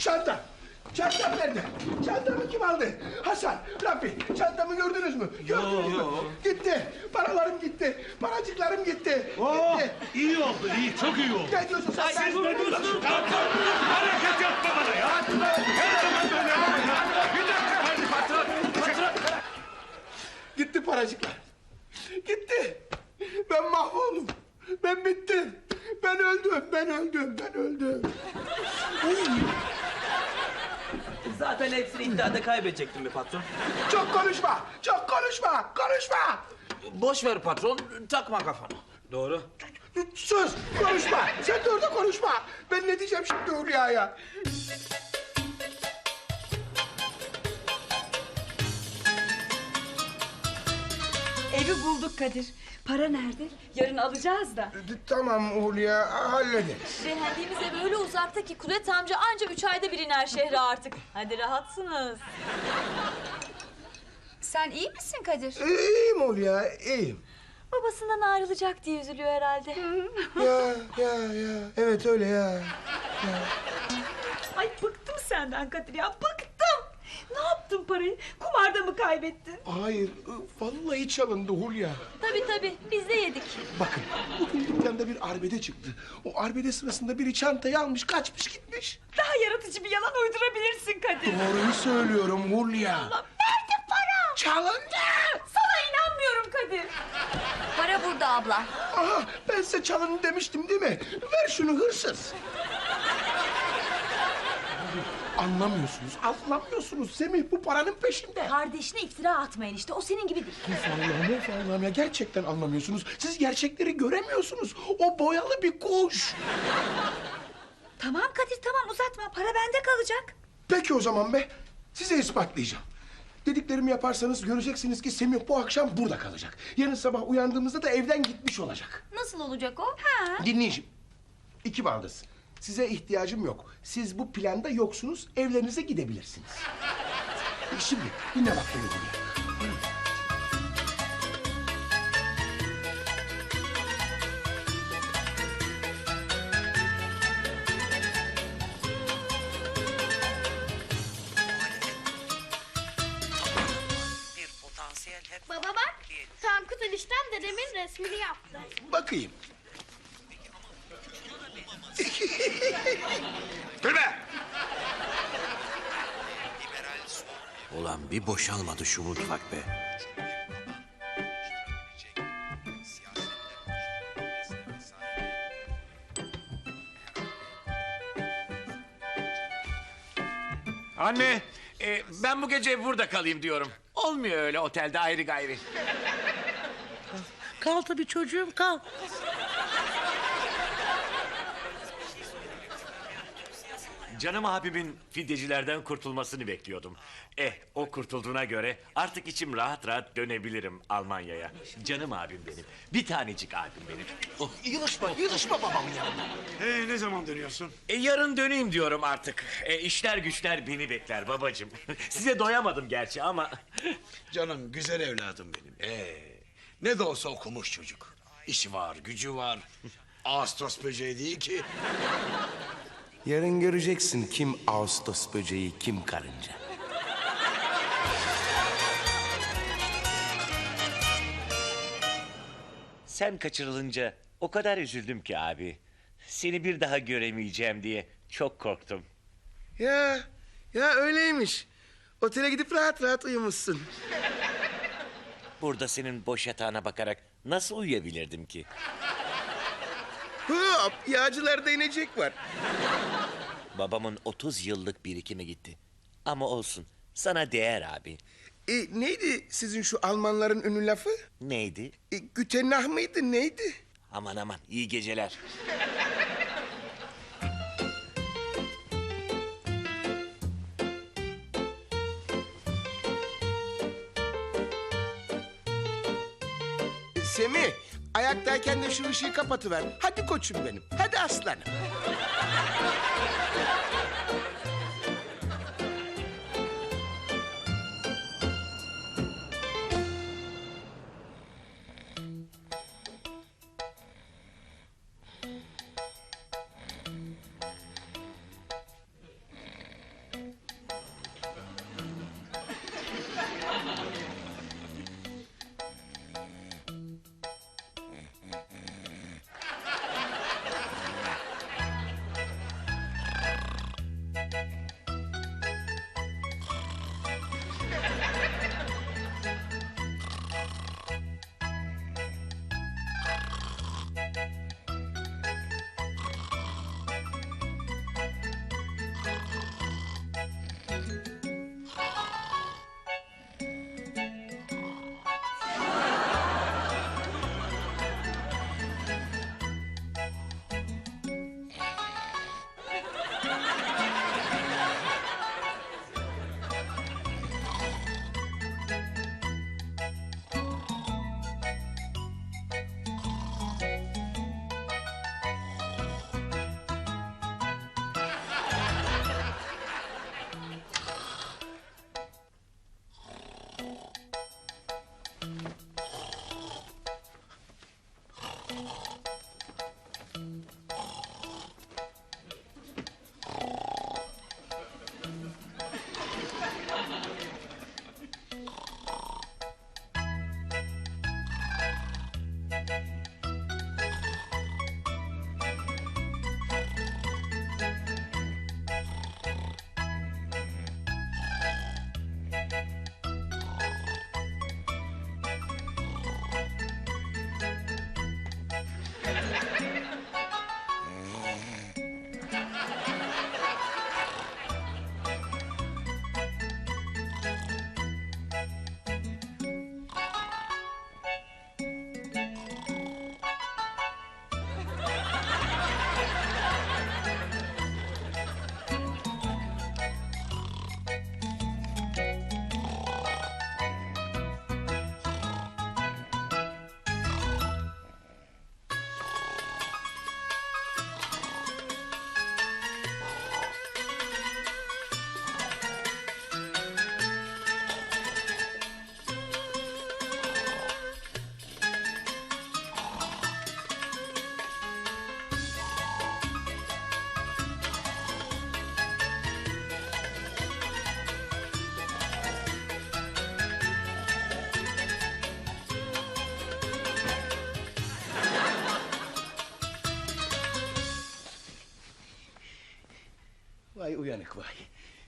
Çanta. Çantam nerede? Çantamı kim aldı? Hasan, Rafi, çantamı gördünüz mü? Gördünüz mü? Gitti. Paralarım gitti. Paracıklarım gitti. Gitti. İyi oldu, iyi, çok iyi oldu. Ne diyorsun sen? Siz ne diyorsunuz? Hareket yapma bana ya. Her zaman böyle yapma ya. Bir dakika. Hadi patron. Gitti paracıklar. Gitti. Ben mahvoldum. Ben bittim. Ben öldüm. Zaten hepsini iddiada kaybedecektim be patron. Çok konuşma. Konuşma. Boş ver patron, takma kafana. Doğru. Sus. Konuşma. Sen de orada konuşma. Ben ne diyeceğim şimdi Hülya'ya? Evi bulduk Kadir. Para nerede? Yarın alacağız da. Tamam Hülya, hallederiz. Beğendiğimiz ev öyle uzakta ki Kudret amca anca 3 ayda bir iner şehre artık. Hadi rahatsınız. Sen iyi misin Kadir? İyiyim Hülya, iyiyim. Babasından ayrılacak diye üzülüyor herhalde. Ya. Evet öyle ya. Ay bıktım senden Kadir ya, bıktım. Ne yaptın parayı? Kumarda mı kaybettin? Hayır, vallahi çalındı Hülya. Tabii biz de yedik. Bakın, bugün dükkanda bir arbede çıktı. O arbede sırasında biri çantayı almış, kaçmış gitmiş. Daha yaratıcı bir yalan uydurabilirsin Kadir. Doğruyu söylüyorum Hülya. Nerede para? Çalındı! Sana inanmıyorum Kadir. Para burada abla. Aha, ben size çalın demiştim değil mi? Ver şunu hırsız. Anlamıyorsunuz. Semih bu paranın peşinde. Kardeşine iftira atmayın işte. O senin gibi değil. Of Allah'ım ya. Gerçekten anlamıyorsunuz. Siz gerçekleri göremiyorsunuz. O boyalı bir kuş. Tamam Kadir, tamam uzatma. Para bende kalacak. Peki o zaman be. Size ispatlayacağım. Dediklerimi yaparsanız göreceksiniz ki Semih bu akşam burada kalacak. Yarın sabah uyandığımızda da evden gitmiş olacak. Nasıl olacak o? Dinleyin şimdi. İki baldız. Size ihtiyacım yok. Siz bu planda yoksunuz, evlerinize gidebilirsiniz. Şimdi dinle bak beni buraya. Bir potansiyel hep... Baba bak, Tankut eniştem dedemin resmini yaptı. Bakayım. Gülme. Ulan bir boşalmadı şu mutfak be. Anne, ben bu gece burada kalayım diyorum. Olmuyor öyle otelde ayrı gayrı. Kal tabii çocuğum, kal. Canım abimin fidyecilerden kurtulmasını bekliyordum. O kurtulduğuna göre artık içim rahat rahat dönebilirim Almanya'ya. Canım abim benim. Bir tanecik abim benim. Yılışma babamın yanında. Ne zaman dönüyorsun? Yarın döneyim diyorum artık. İşler güçler beni bekler babacığım. Size doyamadım gerçi ama... Canım güzel evladım benim. Ne de olsa okumuş çocuk. İşi var, gücü var. Ağustos böceği değil ki. Yarın göreceksin kim Ağustos böceği, kim karınca. Sen kaçırılınca o kadar üzüldüm ki abi. Seni bir daha göremeyeceğim diye çok korktum. Ya öyleymiş. Otele gidip rahat rahat uyumuşsun. Burada senin boş yatağına bakarak nasıl uyuyabilirdim ki? Hop, yağcılarda inecek var. Babamın 30 yıllık birikimi gitti. Ama olsun, sana değer abi. Neydi sizin şu Almanların ünlü lafı? Neydi? Gute Nacht mıydı, neydi? Aman aman, iyi geceler. Semih, ayaktayken de şu ışığı kapatıver. Hadi koçum benim, hadi aslanım. uyanık vay.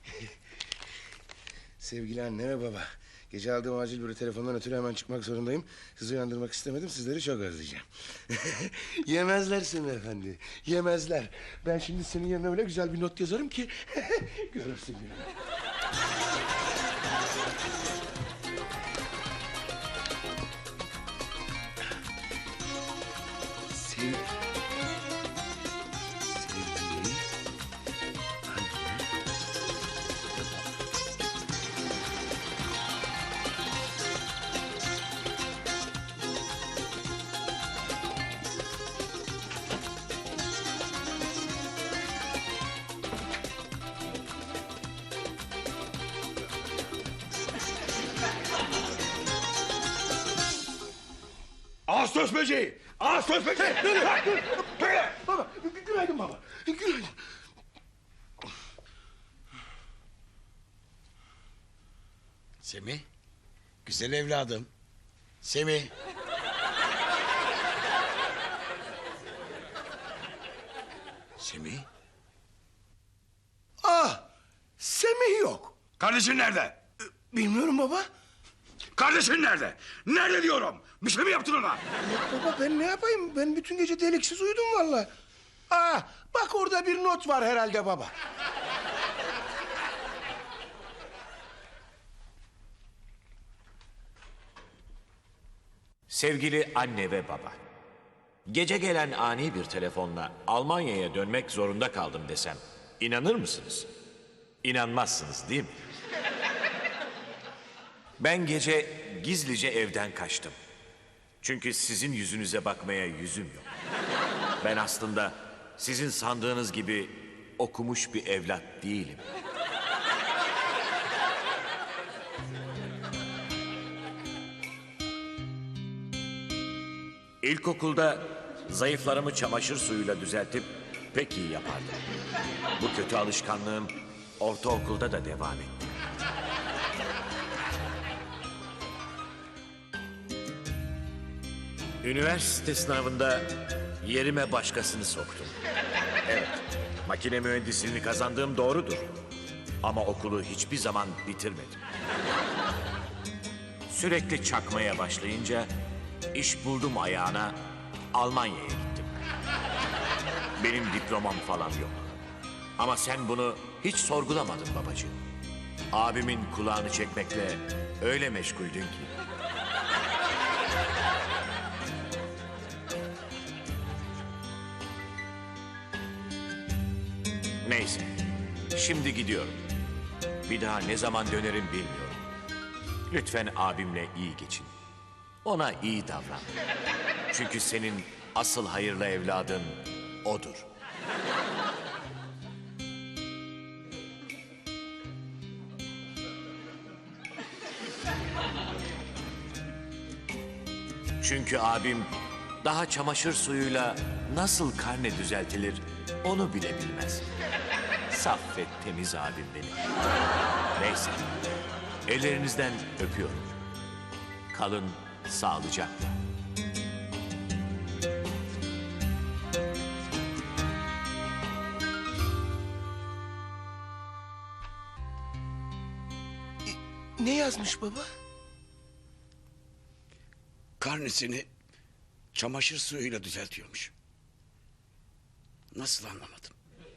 Sevgili anne ve baba. Gece aldığım acil bir telefondan ötürü hemen çıkmak zorundayım. Sizi uyandırmak istemedim. Sizleri çok özleyeceğim. Yemezler seni efendi. Yemezler. Ben şimdi senin yerine öyle güzel bir not yazarım ki... Görürsün gününü. Sevgili Ağustos böceği! Ağustos böceği! Baba, günaydın baba. Günaydın. Semih, güzel evladım. Semih. Semih, Ah, Semih yok. kardeşin nerede? Bilmiyorum baba. Kardeşin nerede? Nerede diyorum? Bir şey mi yaptın ona? Baba ben ne yapayım? Ben bütün gece deliksiz uyudum vallahi. Aa, bak orada bir not var herhalde baba. Sevgili anne ve baba. Gece gelen ani bir telefonla Almanya'ya dönmek zorunda kaldım desem inanır mısınız? İnanmazsınız değil mi? Ben gece gizlice evden kaçtım. Çünkü sizin yüzünüze bakmaya yüzüm yok. Ben aslında sizin sandığınız gibi okumuş bir evlat değilim. İlkokulda zayıflarımı çamaşır suyuyla düzeltip pek iyi yapardım. Bu kötü alışkanlığım ortaokulda da devam etti. Üniversite sınavında yerime başkasını soktum. Evet, makine mühendisliğini kazandığım doğrudur. Ama okulu hiçbir zaman bitirmedim. Sürekli çakmaya başlayınca iş buldum ayağına, Almanya'ya gittim. Benim diplomam falan yok. Ama sen bunu hiç sorgulamadın babacığım. Abimin kulağını çekmekle öyle meşguldün ki. Neyse, şimdi gidiyorum. Bir daha ne zaman dönerim bilmiyorum. Lütfen abimle iyi geçin. Ona iyi davran. Çünkü senin asıl hayırlı evladın odur. Çünkü abim daha çamaşır suyuyla nasıl karne düzeltilir onu bile bilmez. Saf ve temiz abim benim. Neyse, ellerinizden öpüyorum. Kalın sağlıcakla. Ne yazmış baba? Karnesini çamaşır suyuyla düzeltiyormuş. Nasıl anlamadım?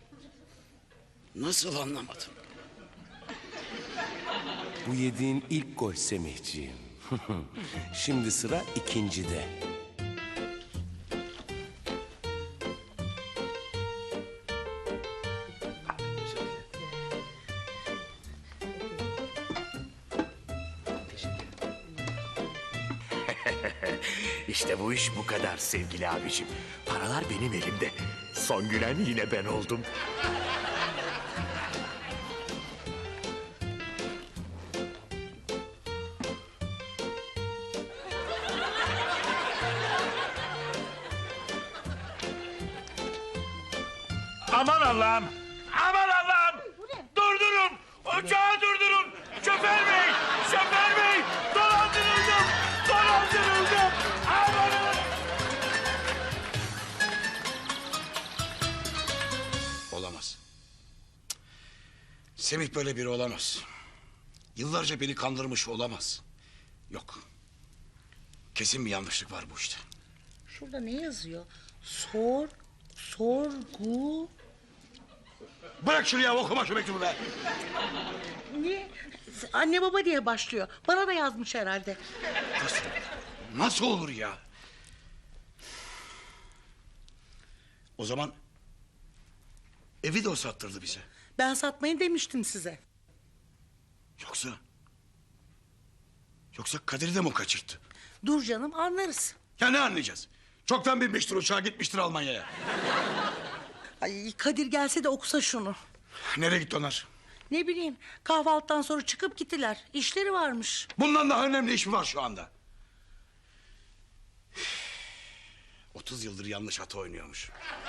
Nasıl anlamadım? Bu yediğin ilk gol Semihciğim. Şimdi sıra ikincide. İşte bu iş bu kadar sevgili abicim. Paralar benim elimde. Son gülen yine ben oldum. Aman Allah'ım! Aman Allah'ım! Durdurun! Uçağı durdurun! Şoför bey! Şoför bey! Dolandırıldım! Dolandırıldım! Aman Allah'ım! Olamaz. Semih böyle biri olamaz. Yıllarca beni kandırmış olamaz. Yok. Kesin bir yanlışlık var bu işte. Şurada ne yazıyor? Sorgu. Bırak şunu ya, okuma şu mektubu be. Niye? Anne baba diye başlıyor. Bana da yazmış herhalde. Nasıl? Nasıl olur ya? O zaman evi de o sattırdı bize. Ben satmayın demiştim size. Yoksa Kadir'i de mi o kaçırttı? Dur canım, anlarız. Ya ne anlayacağız? Çoktan binmiştir uçağa, gitmiştir Almanya'ya. Ay, Kadir gelse de okusa şunu. Nereye gitti onlar? Ne bileyim, kahvaltıdan sonra çıkıp gittiler. İşleri varmış. Bundan daha önemli iş mi var şu anda? 30 yıldır yanlış ata oynuyormuş.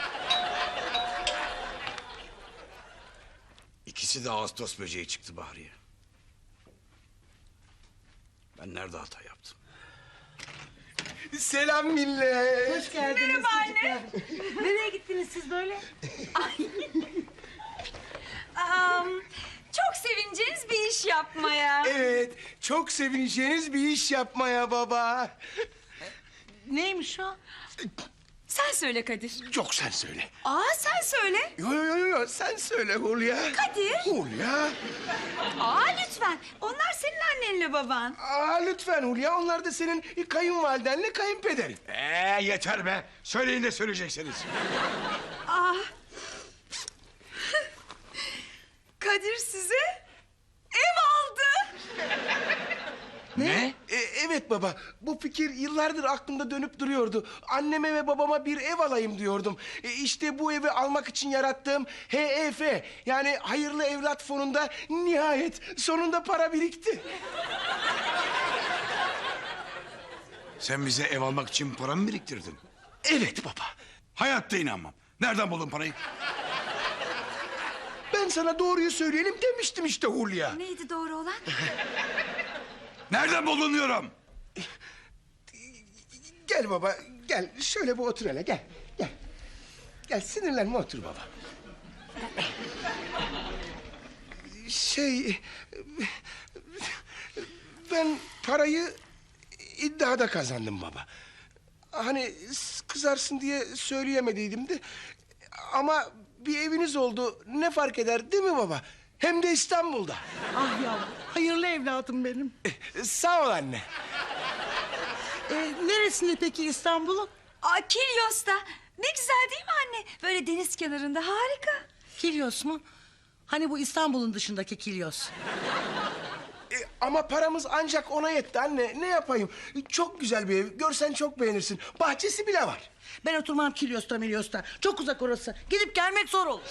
İkisi de Ağustos böceği çıktı Bahriye. Ben nerede hata yaptım? Selam millet. Hoş geldiniz. Merhaba anne. Nereye gittiniz siz böyle? Çok sevineceğiniz bir iş yapmaya. Evet, çok sevineceğiniz bir iş yapmaya baba. Neymiş o? Sen söyle Kadir. Yok, sen söyle. Sen söyle. Yo, sen söyle Hulya. Kadir. Hulya. Lütfen. Onlar senin annenle baban. Lütfen Hulya, onlar da senin kayınvalidenle kayınpederin. Yeter be. Söyleyin de söyleyeceksiniz. Kadir size ev aldı. Ne? Evet baba, bu fikir yıllardır aklımda dönüp duruyordu. Anneme ve babama bir ev alayım diyordum. İşte bu evi almak için yarattığım HEF, yani Hayırlı Evlat Fonu'nda nihayet sonunda para birikti. Sen bize ev almak için para mı biriktirdin? Evet baba. Hayatta inanmam. Nereden buldun parayı? Ben sana doğruyu söyleyelim demiştim işte Hulya. Neydi doğru olan? Nereden buldun diyorum? Gel baba, gel. Şöyle bir otur hele, gel. Gel. Gel, sinirlenme, otur baba. Ben parayı iddiada kazandım baba. Hani kızarsın diye söyleyemediydim de. Ama bir eviniz oldu, ne fark eder değil mi baba? Hem de İstanbul'da. Ah yavrum, hayırlı evladım benim. Sağ ol anne. Neresinde peki İstanbul'un? Kilyos'ta. Ne güzel değil mi anne? Böyle deniz kenarında, harika. Kilyos mu? Hani bu İstanbul'un dışındaki Kilyos? Ama paramız ancak ona yetti anne. Ne yapayım? Çok güzel bir ev. Görsen çok beğenirsin. Bahçesi bile var. Ben oturmam Kilyos'ta Milyos'ta. Çok uzak orası. Gidip gelmek zor olur.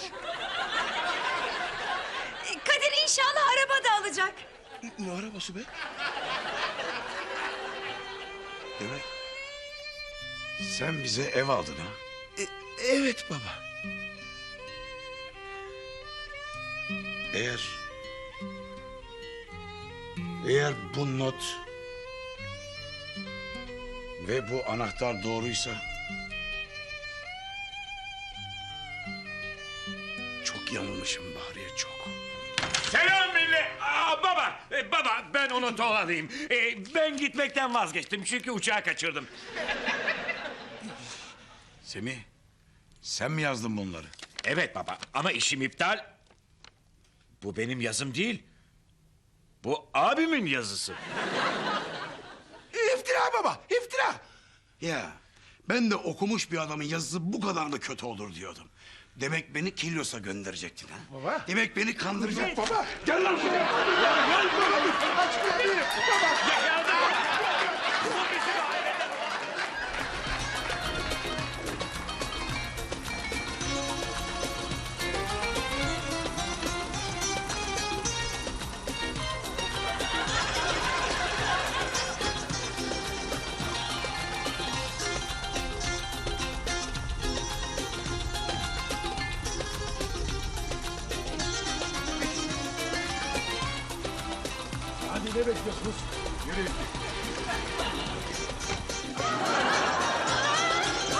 Kadir inşallah araba da alacak. Ne arabası be? Demek sen bize ev aldın ha? Evet baba. Eğer bu not ve bu anahtar doğruysa çok yanılmışım Bahriye, çok. Selam millet. Baba ben o notu alayım. Ben gitmekten vazgeçtim çünkü uçağı kaçırdım. Semih, sen mi yazdın bunları? Evet baba ama işim iptal. Bu benim yazım değil. Bu abimin yazısı. İftira baba, iftira. Ya ben de okumuş bir adamın yazısı bu kadar da kötü olur diyordum. Demek beni Kilyos'a gönderecektin ha? Baba. Demek beni kandıracaktın. Baba, gel lan şuraya. Gel baba, aç kapıyı. Baba. Hadi ne bekliyorsunuz? Yürüyün.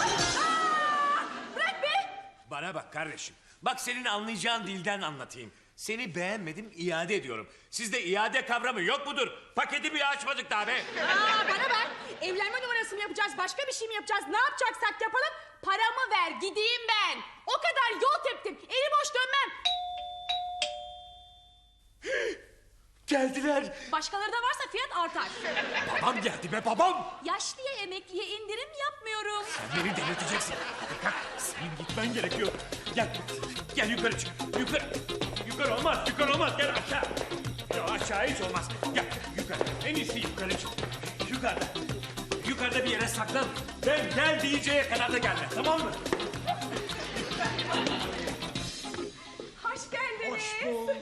Bana bak kardeşim. Bak senin anlayacağın dilden anlatayım. Seni beğenmedim, iade ediyorum. Sizde iade kavramı yok mudur? Paketi bile açmadık daha be. Bana bak. Evlenme numarası mı yapacağız? Başka bir şey mi yapacağız? Ne yapacaksak yapalım. Paramı ver, gideyim ben. O kadar yol teptim. Eli boş dönmem. Geldiler. Başkaları da varsa fiyat artar. Babam geldi be babam. Yaşlıya, emekliye indirim yapmıyorum. Sen beni delirteceksin. Hadi kalk, senin gitmen gerekiyor. Gel yukarı çık. Yukarı olmaz, Gel aşağı. Ya aşağı hiç olmaz. Gel yukarı. En iyisi yukarı çık. Yukarıda bir yere saklan. Ben gel diyeceğe kadar da gelme, tamam mı? Hoş geldiniz. Hoş bulduk.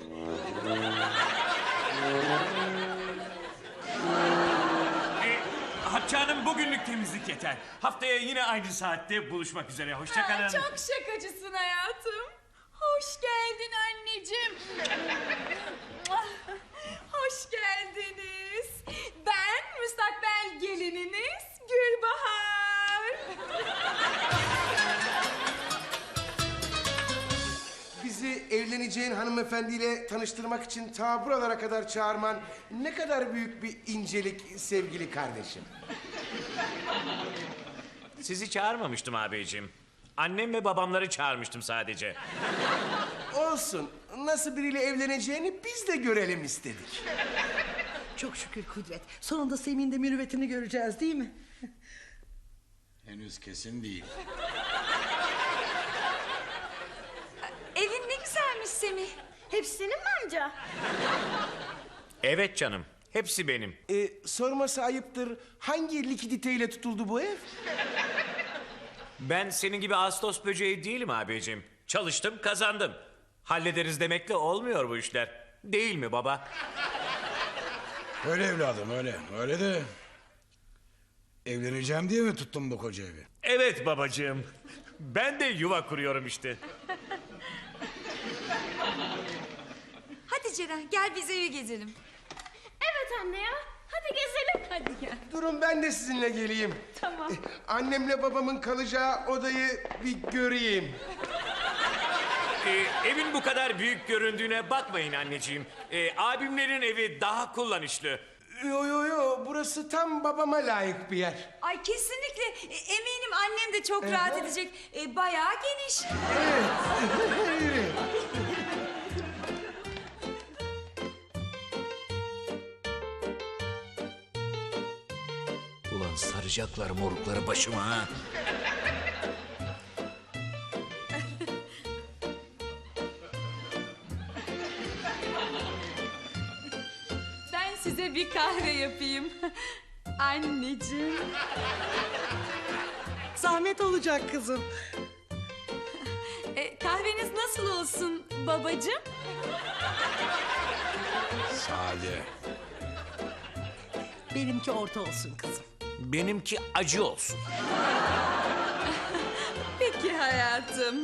Hatice Hanım bugünlük temizlik yeter. Haftaya yine aynı saatte buluşmak üzere. Hoşça kalın. Çok şakacısın hayatım. Hoş geldin anneciğim. Hoş geldiniz. Ben müstakbel gelininiz Gülbahar. Bizi evleneceğin hanımefendiyle tanıştırmak için ta buralara kadar çağırman ne kadar büyük bir incelik sevgili kardeşim. Sizi çağırmamıştım abiciğim. Annem ve babamları çağırmıştım sadece. Olsun. Nasıl biriyle evleneceğini biz de görelim istedik. Çok şükür Kudret. Sonunda Semih'in de mürüvvetini göreceğiz değil mi? Henüz kesin değil. Evin ne güzelmiş Semih. Hepsi senin mi amca? Evet canım. Hepsi benim. Sorması ayıptır. Hangi likiditeyle tutuldu bu ev? Ben senin gibi Ağustos böceği değilim abiciğim. Çalıştım, kazandım. Hallederiz demekle olmuyor bu işler. Değil mi baba? Öyle evladım öyle. Öyle de... Evleneceğim diye mi tuttun bu koca evi? Evet babacığım. Ben de yuva kuruyorum işte. Hadi Ceren gel biz evi gezelim. Evet anne ya. Hadi gezelim. Hadi gel. Durun ben de sizinle geleyim. Tamam. Annemle babamın kalacağı odayı bir göreyim. Evin bu kadar büyük göründüğüne bakmayın anneciğim. Abimlerin evi daha kullanışlı. Yo, burası tam babama layık bir yer. Ay kesinlikle eminim annem de çok rahat edecek. Bayağı geniş. Evet. Ulan saracaklar morukları başıma ha. Ben size bir kahve yapayım. Anneciğim. Zahmet olacak kızım. Kahveniz nasıl olsun babacığım? Sade. Benimki orta olsun kızım. Benimki acı olsun. Peki hayatım.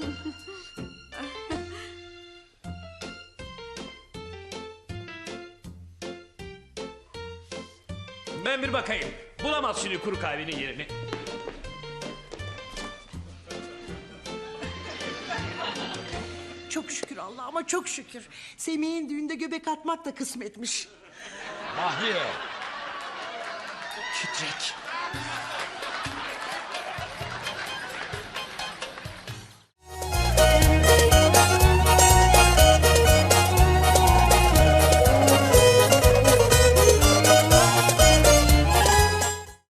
Ben bir bakayım. Bulamaz şimdi kuru kahvenin yerini. Çok şükür Allah'ıma çok şükür. Semih'in düğünde göbek atmak da kısmetmiş. Mahliye. Titrek.